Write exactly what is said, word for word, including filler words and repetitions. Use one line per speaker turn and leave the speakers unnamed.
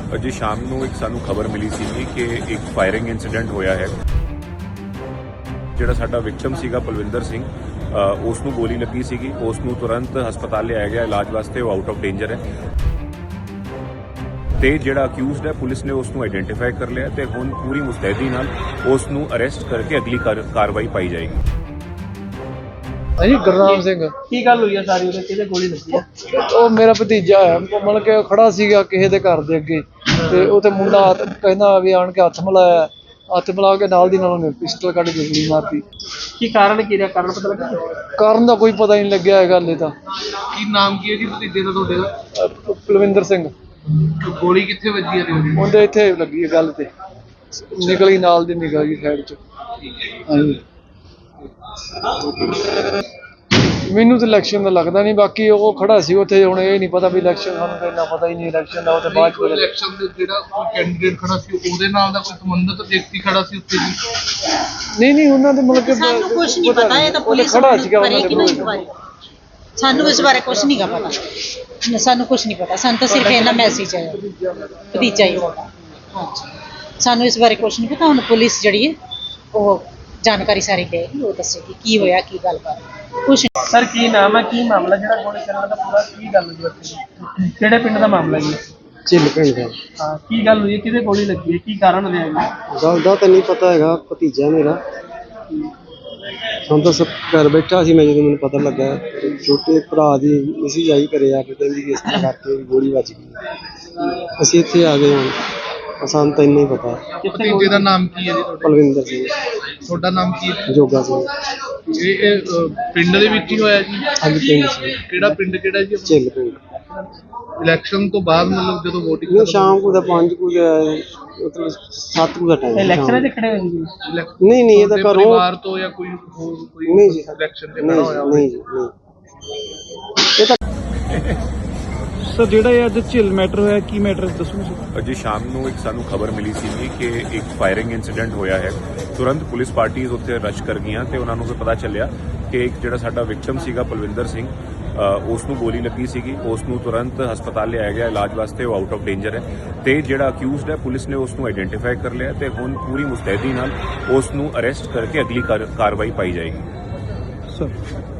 अजे शाम ਨੂੰ ਇੱਕ ਸਾਨੂੰ ਖਬਰ ਮਿਲੀ ਸੀ ਕਿ ਇੱਕ ਫਾਇਰਿੰਗ ਇਨਸੀਡੈਂਟ ਹੋਇਆ ਹੈ। ਜਿਹੜਾ ਸਾਡਾ ਵਿਕਟਮ ਸੀਗਾ ਪਲਵਿੰਦਰ ਸਿੰਘ, ਉਸ ਨੂੰ ਗੋਲੀ ਲੱਗੀ ਸੀਗੀ। ਉਸ ਨੂੰ ਤੁਰੰਤ ਹਸਪਤਾਲ ਲਿਆਇਆ ਗਿਆ ਇਲਾਜ ਵਾਸਤੇ। ਉਹ ਆਊਟ ਆਫ ਡੇਂਜਰ ਹੈ ਤੇ ਜਿਹੜਾ ਅਕਿਊਜ਼ਡ ਹੈ ਪੁਲਿਸ ਨੇ ਉਸ ਨੂੰ ਆਈਡੈਂਟੀਫਾਈ ਕਰ ਲਿਆ ਤੇ ਹੁਣ ਪੂਰੀ ਮੁਸਤੈਦੀ ਨਾਲ ਉਸ ਨੂੰ ਅਰੈਸਟ ਕਰਕੇ ਅਗਲੀ ਕਾਰਵਾਈ ਪਾਈ ਜਾਏਗੀ।
ਹਾਂਜੀ ਗੁਰਨਾਮ ਸਿੰਘ।
ਕੀ ਗੱਲ ਹੋਈ ਹੈ ਸਾਰੀ? ਉਹਦੇ ਕਿਹਦੇ ਗੋਲੀ ਲੱਗੀ ਹੈ?
ਉਹ ਮੇਰਾ ਭਤੀਜਾ ਹੈ, ਮਤਲਬ ਕਿ ਖੜਾ ਸੀਗਾ ਕਿਸੇ ਦੇ ਘਰ ਦੇ ਅੱਗੇ ਤੇ ਉਹ ਤੇ ਮੁੰਡਾ ਕਹਿੰਦਾ ਵੀ ਆਣ ਕੇ ਹੱਥ ਮਿਲਾਇਆ। ਹੱਥ ਮਿਲਾ ਕੇ ਨਾਲ ਦੀ ਨਾਲ ਉਹਨੇ ਪਿਸਟਲ ਕੱਢ ਕੇ ਗੋਲੀ ਮਾਰਤੀ।
ਕੀ ਕਾਰਨ ਕੀ ਰਿਹਾ? ਕਾਰਨ ਪਤਾ ਲੱਗਾ?
ਕਾਰਨ ਦਾ ਕੋਈ ਪਤਾ ਨਹੀਂ ਲੱਗਿਆ ਹੈਗਾ ਹਲੇ ਤਾਂ।
ਕੀ ਨਾਮ ਕੀ ਹੈ ਜੀ ਭਤੀਜੇ ਦਾ ਤੁਹਾਡੇ ਦਾ?
ਅਹ ਪਲਵਿੰਦਰ ਸਿੰਘ।
ਗੋਲੀ ਕਿੱਥੇ ਵੱਜੀ ਹੈ ਉਹਦੀ?
ਉਹਦੇ ਇੱਥੇ ਲੱਗੀ ਹੈ ਗੱਲ ਤੇ, ਨਿਕਲ ਗਈ ਨਾਲ ਦੀ ਨਿਕਲ ਗਈ ਸਾਈਡ ਚ। ਹਾਂਜੀ ਮੈਨੂੰ ਤਾਂ ਇਲੈਕਸ਼ਨ ਦਾ ਲੱਗਦਾ ਨਹੀਂ, ਬਾਕੀ ਉਹ ਖੜਾ ਸੀ ਉੱਥੇ। ਹੁਣ ਇਹ ਨਹੀਂ ਪਤਾ ਵੀ ਇਲੈਕਸ਼ਨ, ਸਾਨੂੰ ਤਾਂ ਇੰਨਾ ਪਤਾ ਹੀ ਨਹੀਂ ਇਲੈਕਸ਼ਨ ਦਾ। ਉਹ ਤੇ ਬਾਅਦ ਚ
ਇਲੈਕਸ਼ਨ ਦੇ ਜਿਹੜਾ ਕੋਈ ਕੈਂਡੀਡੇਟ ਖੜਾ ਸੀ ਉਹਦੇ ਨਾਲ ਦਾ ਕੋਈ ਸੰਬੰਧਿਤ ਵਿਅਕਤੀ ਖੜਾ ਸੀ ਉੱਥੇ ਜੀ?
ਨਹੀਂ ਨਹੀਂ ਉਹਨਾਂ ਦੇ ਮਤਲਬ ਕਿ
ਸਾਨੂੰ ਕੁਝ ਨਹੀਂ ਪਤਾ। ਇਹ ਤਾਂ ਪੁਲਿਸ
ਖੜਾ ਸੀਗਾ ਉਹਨਾਂ
ਕਰੇਗੀ ਨਾ ਇੱਕ ਵਾਰੀ। ਸਾਨੂੰ ਇਸ ਬਾਰੇ ਕੁਝ ਨਹੀਂ ਪਤਾ। ਸਾਨੂੰ ਕੁਝ ਨਹੀਂ ਪਤਾ। ਸਾਨੂੰ ਤਾਂ ਸਿਰਫ ਇਹਨਾਂ ਮੈਸੇਜ ਆਇਆ ਭਤੀਜਾ ਹੀ ਹੋਗਾ। ਸਾਨੂੰ ਇਸ ਬਾਰੇ ਕੁਝ ਨਹੀਂ ਪਤਾ। ਹੁਣ ਪੁਲਿਸ ਜਿਹੜੀ ਹੈ ਉਹ ਜਾਣਕਾਰੀ ਸਾਰੀ ਦੇਗੀ, ਉਹ ਦੱਸੇਗੀ ਕੀ ਹੋਇਆ, ਕੀ ਗੱਲ ਕਰ ਕੁਛ।
ਸਰ ਕੀ ਨਾਮ ਹੈ, ਕੀ ਮਾਮਲਾ ਜਿਹੜਾ ਗੋਲੀ ਚੱਲਣ ਦਾ ਪੂਰਾ ਕੀ ਗੱਲ ਹੋਈ ਉੱਥੇ? ਕਿਹੜੇ ਪਿੰਡ ਦਾ ਮਾਮਲਾ ਜੀ?
ਝਿੱਲ ਪਿੰਡ ਦਾ।
ਹਾਂ ਕੀ ਗੱਲ ਹੋਈ ਹੈ? ਕਿਹਦੇ ਗੋਲੀ ਲੱਗੀ ਹੈ? ਕੀ ਕਾਰਨ ਰਿਹਾ ਜੀ?
ਗੱਲ ਦਾ ਤਾਂ ਨਹੀਂ ਪਤਾ ਹੈਗਾ। ਭਤੀਜਾ ਮੇਰਾ ਹੁਣ ਤਾਂ ਸਭ ਘਰ ਬੈਠਾ ਸੀ ਮੈਂ ਜਦੋਂ ਮੈਨੂੰ ਪਤਾ ਲੱਗਾ। ਛੋਟੇ ਭਰਾ ਦੀ ਮੈਸੇਜ ਆਈ ਘਰੇ ਆ ਕੇ ਕਹਿੰਦੀ ਕਿ ਇਸ ਤਰ੍ਹਾਂ ਕਰਕੇ ਗੋਲੀ ਵੱਜ ਗਈ। ਅਸੀਂ ਇੱਥੇ ਆ ਗਏ ਹੁਣ, ਸਾਨੂੰ ਤਾਂ ਇੰਨਾ ਹੀ ਪਤਾ।
ਭਤੀਜੇ ਦਾ ਨਾਮ ਕੀ ਹੈ ਜੀ?
ਪਲਵਿੰਦਰ ਸਿੰਘ।
ਤੁਹਾਡਾ ਨਾਮ ਕੀ ਹੈ?
ਜੋਗਾ ਸਿੰਘ।
ਇਹ ਇਹ, ਅ, ਪਿੰਡ ਦੇ ਵਿੱਚ ਹੀ ਹੋਇਆ ਜੀ?
ਹਾਂਜੀ ਪਿੰਡ ਸੀ।
ਕਿਹੜਾ ਪਿੰਡ ਕਿਹੜਾ ਜੀ?
ਝਿੱਲ ਪਿੰਡ।
ਇਲੈਕਸ਼ਨ ਤੋਂ ਬਾਅਦ ਮਤਲਬ ਜਦੋਂ ਵੋਟਿੰਗ
ਨਹੀਂ ਸ਼ਾਮ ਨੂੰ ਤਾਂ ਪੰਜ ਕੁ ਮਤਲਬ ਸੱਤ ਕੁ ਦਾ ਟਾਈਮ।
ਇਲੈਕਸ਼ਨ ਦੇ ਖੜੇ ਹੋਏ ਜੀ?
ਨਹੀਂ ਨਹੀਂ ਇਹ ਤਾਂ ਘਰੋਂ
ਪਰਿਵਾਰ ਤੋਂ ਜਾਂ ਕੋਈ ਹੋਰ ਕੋਈ
ਨਹੀਂ ਜੀ
ਇਲੈਕਸ਼ਨ ਤੇ
ਨਹੀਂ
ਖੜਾ ਹੋਇਆ?
ਨਹੀਂ ਜੀ ਨਹੀਂ। ਇਹ ਤਾਂ
ਸਰ ਜਿਹੜਾ ਇਹ ਅੱਜ ਝਿੱਲ ਮੈਟਰ ਹੋਇਆ, ਕੀ ਮੈਟਰ ਦੱਸੋ ਸਰ?
ਅਜੇ ਸ਼ਾਮ ਨੂੰ ਇੱਕ ਸਾਨੂੰ ਖਬਰ ਮਿਲੀ ਸੀ ਕਿ ਇੱਕ ਫਾਇਰਿੰਗ ਇਨਸੀਡੈਂਟ ਹੋਇਆ ਹੈ। ਤੁਰੰਤ ਪੁਲਿਸ ਪਾਰਟੀਆਂ ਉੱਥੇ ਰਸ਼ ਕਰ ਗਈਆਂ ਤੇ ਉਹਨਾਂ ਨੂੰ ਫਿਰ ਪਤਾ ਚੱਲਿਆ ਕਿ ਇੱਕ ਜਿਹੜਾ ਸਾਡਾ ਵਿਕਟਮ ਸੀਗਾ ਪਲਵਿੰਦਰ ਸਿੰਘ, ਉਸ ਨੂੰ ਗੋਲੀ ਲੱਗੀ ਸੀਗੀ। ਉਸ ਨੂੰ ਤੁਰੰਤ ਹਸਪਤਾਲ ਲਿਆਇਆ ਗਿਆ ਇਲਾਜ ਵਾਸਤੇ। ਉਹ ਆਊਟ ਆਫ ਡੇਂਜਰ ਹੈ ਤੇ ਜਿਹੜਾ ਅਕਿਊਜ਼ਡ ਹੈ ਪੁਲਿਸ ਨੇ ਉਸ ਨੂੰ ਆਈਡੈਂਟੀਫਾਈ ਕਰ ਲਿਆ ਤੇ ਹੁਣ ਪੂਰੀ ਮੁਸਤੈਦੀ ਨਾਲ ਉਸ ਨੂੰ ਅਰੈਸਟ ਕਰਕੇ ਅਗਲੀ ਕਾਰਵਾਈ ਪਾਈ ਜਾਏਗੀ।
ਸਰ